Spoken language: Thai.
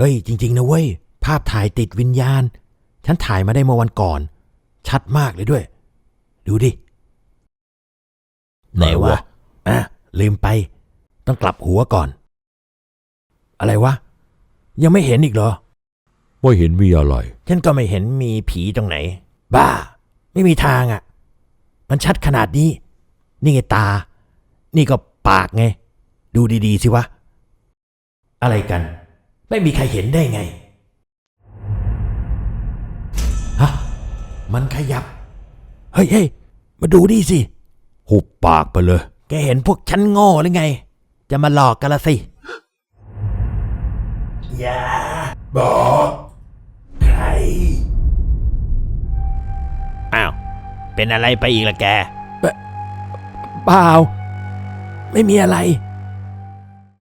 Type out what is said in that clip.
ฮ้ยจริงๆนะเว้ยภาพถ่ายติดวิญญาณฉันถ่ายมาได้เมื่อวันก่อนชัดมากเลยด้วยดูดิไหนวะลืมไปต้องกลับหัวก่อนอะไรวะยังไม่เห็นอีกเหรอไม่เห็นมีอะไรฉันก็ไม่เห็นมีผีตรงไหนบ้าไม่มีทางอ่ะมันชัดขนาดนี้นี่ไงตานี่ก็ปากไงดูดีๆสิวะอะไรกันไม่มีใครเห็นได้ไงฮะมันขยับเฮ้ยมาดูดิสิหุบปากไปเลยแกเห็นพวกฉันโง่หรือไงจะมาหลอกกันละสิอย่าบอกใครอ้าวเป็นอะไรไปอีกล่ะแกเปล่าไม่มีอะไร